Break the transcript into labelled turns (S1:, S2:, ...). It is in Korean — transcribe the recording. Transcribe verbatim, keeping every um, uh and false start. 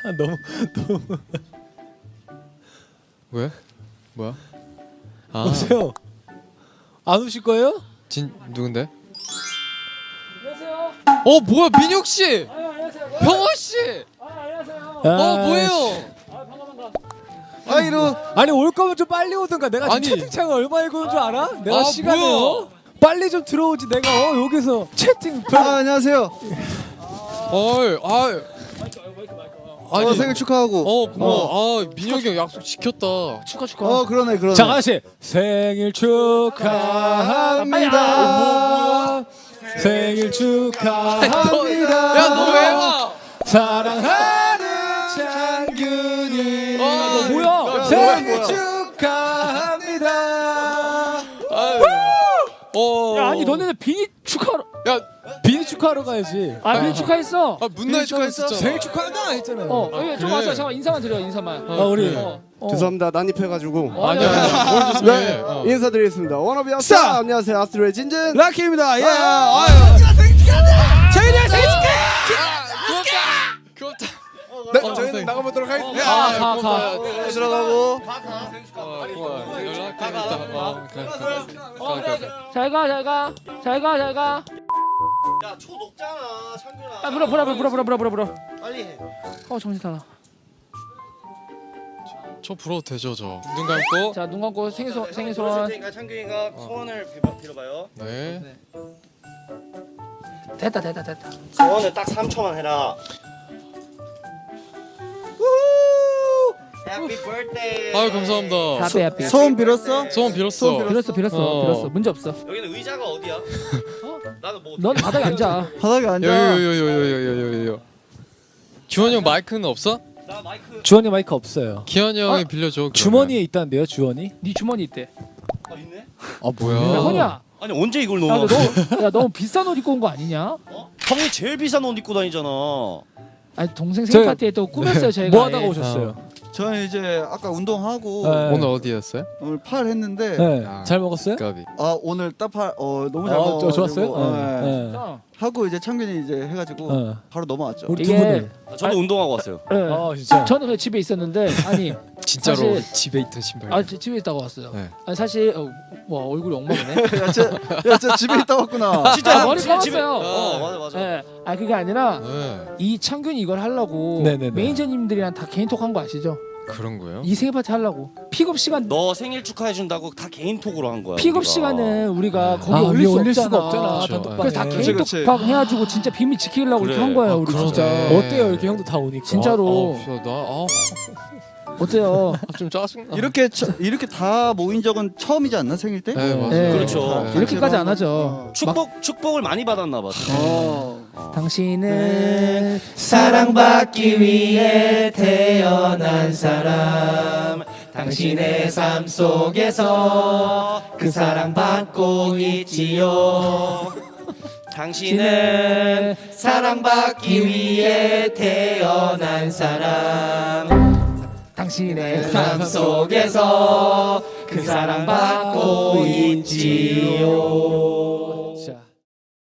S1: 너무 너무
S2: 왜? 뭐야? 아,
S1: 오세요. 안 오실 거예요?
S2: 진 누군데?
S3: 안녕하세요.
S2: 어 뭐야 민혁 씨,
S3: 아, 안녕하세요.
S2: 병원 씨.
S3: 아, 안녕하세요.
S2: 어 뭐예요?
S3: 아, 반가 반가.
S1: 아 이러. 아니 올 거면 좀 빨리 오든가. 내가 지금
S2: 아니.
S1: 채팅창을 얼마 읽은 줄 알아? 내가
S2: 아,
S1: 시간에
S2: 뭐야?
S1: 어? 빨리 좀 들어오지. 내가 어 여기서 채팅.
S4: 아, 안녕하세요.
S2: 어이, 아, 아니
S4: 어, 생일 축하하고.
S2: 어 고마워. 아 민혁이 형 약속 지켰다. 축하 축하.
S4: 어, 그러네, 그러네.
S1: 자 아저씨 생일 축하합니다. 생일 축하합니다.
S2: 야 너 왜 와?
S1: 사랑하는 창균이.
S2: 아,
S1: 너 뭐야?
S2: 야,
S1: 생일
S4: 뭐야?
S1: 축하합니다.
S2: 아유. 어.
S3: 야, 아니 너네는 비니 축하로.
S2: 야,
S1: 비니 축하하러 가야지.
S3: 아, 비니 축하했어.
S2: 아 문나이 축하했었잖아.
S1: 생일 축하한다 했잖아요.
S3: 어,
S2: 아,
S3: 여기 좀
S2: 그래?
S3: 와서 잠깐 인사만 드려. 인사만.
S1: 아, 우리
S3: 어. 어.
S4: 죄송합니다. 난입해가지고.
S3: 어,
S2: 아니야,
S3: 아니야.
S2: 아니야. 뭘 조심해.
S4: 네,
S2: 어.
S4: 인사드리겠습니다. 워너비 아스타. 안녕하세요, 아스트로의 진진.
S1: 라키입니다. 예.
S4: 아,
S1: 아유. 생일이야 생일 축하.
S2: 귀엽다.
S4: 네,
S2: 어,
S4: 저희는
S2: 생-
S4: 나가보도록 하겠습니다.
S3: 가, 가, 가.
S4: 네, 들어가고.
S3: 잘 가, 잘 가. 잘 가, 잘 가.
S5: 야, 초 녹잖아, 창균아.
S3: 아, 불어, 불어, 불어, 불어, 불어, 불어, 불어.
S5: 빨리 해.
S3: 어, 정신 사나.
S2: 저 불어도 되죠 저. 눈 감고.
S3: 자, 눈 감고 생일 소 생일
S5: 들어줄
S3: 소원.
S5: 테니까 창균이가 소원을 빌어, 빌어봐요.
S2: 네.
S3: 됐다, 됐다, 됐다.
S5: 소원을 딱 삼 초만 해라. 해피 birthday.
S2: 아유 감사합니다.
S3: 하피 하피.
S4: 소원 빌었어?
S2: 소원 빌었어.
S4: 소원
S3: 빌었어, 빌었어,
S2: 어.
S3: 빌었어. 문제 없어.
S5: 여기는 의자가 어디야? 나는 뭐.
S3: 넌 바닥에 앉아.
S4: 바닥에 앉아.
S2: 요요요요요요요요. 주원이 형 마이크는 없어?
S5: 나 마이크.
S1: 주원이 마이크 없어요.
S2: 기현이 형이
S3: 아,
S2: 빌려줘. 그러면.
S1: 주머니에 있다는데요, 주원이?
S3: 네 주머니 있대.
S5: 아, 있네?
S1: 아
S2: 뭐야?
S3: 야,
S2: 어.
S3: 허니야.
S5: 아니, 언제 이걸
S3: 야,
S5: 넣어?
S3: 너, 야, 너무 비싼 옷 입고 온 거 아니냐?
S5: 어? 형이 제일 비싼 옷 입고 다니잖아.
S3: 아니 동생 생일
S1: 저-
S3: 파티에 또 꾸몄어요 저희가.
S1: 뭐 하다가
S3: 예.
S1: 오셨어요?
S4: 저는 이제 아까 운동하고
S1: 네.
S2: 오늘 어디였어요?
S4: 오늘 팔 했는데
S1: 네.
S2: 아.
S1: 잘 먹었어요?
S2: 까비.
S4: 아 오늘 딱팔 어 너무 잘
S1: 어,
S4: 먹어가지고
S1: 좋았어요?
S4: 네.
S1: 네.
S3: 어.
S4: 하고 이제 창균이 이제 해가지고
S1: 어.
S4: 바로 넘어왔죠.
S1: 우리 두
S3: 이게-
S1: 분은?
S5: 아, 저도 운동하고 왔어요.
S3: 예.
S1: 아 진짜.
S3: 저는 그냥 집에 있었는데 아니
S2: 진짜로
S3: 사실-
S2: 집에 있던 신발.
S3: 아 지- 집에 있다가 왔어요.
S2: 네.
S3: 아니 사실 어, 와 얼굴이 엉망이네.
S4: 야, 쟤, 야, 쟤 집에 있다 왔구나.
S3: 진짜 머리
S5: 집- 집에-
S3: 감았어요.
S5: 어, 맞아, 맞아.
S3: 예. 아 그게 아니라
S2: 네.
S3: 이 창균이 이걸 하려고
S1: 네네네.
S3: 매니저님들이랑 다 개인톡 한 거 아시죠?
S2: 그런 거예요?
S3: 이 생일 파티 하려고 픽업 시간
S5: 너 생일 축하해준다고 다 개인톡으로 한 거야.
S3: 픽업
S5: 우리가.
S3: 시간은 우리가 거기
S1: 아,
S3: 올릴
S1: 위에
S3: 수
S1: 올릴
S3: 없잖아.
S1: 수가 없잖아.
S2: 그렇죠.
S1: 단톡방에.
S3: 그래서 다
S4: 그치, 그치.
S3: 개인톡 해가지고 진짜 비밀 지키려고
S5: 그래.
S3: 이렇게 한 거예요.
S2: 아,
S3: 우리
S2: 그러네.
S3: 진짜.
S1: 어때요? 이렇게 형도 다 오니까.
S3: 진짜로.
S2: 아, 아, 나 아,
S3: 어때요?
S2: 좀 짜증나.
S4: 이렇게 처, 이렇게 다 모인 적은 처음이지 않나 생일 때?
S2: 네 맞아요.
S3: 네.
S5: 그렇죠.
S2: 네.
S3: 이렇게까지 안 하죠.
S4: 어.
S5: 축복 축복을 많이 받았나 봐.
S4: 어.
S3: 당신은
S5: 사랑받기 위해 태어난 사람. 당신의 삶 속에서 그 사랑받고 있지요. 당신은 사랑받기 위해 태어난 사람.
S3: 당신의
S5: 삶 속에서 그 사랑받고 있지요.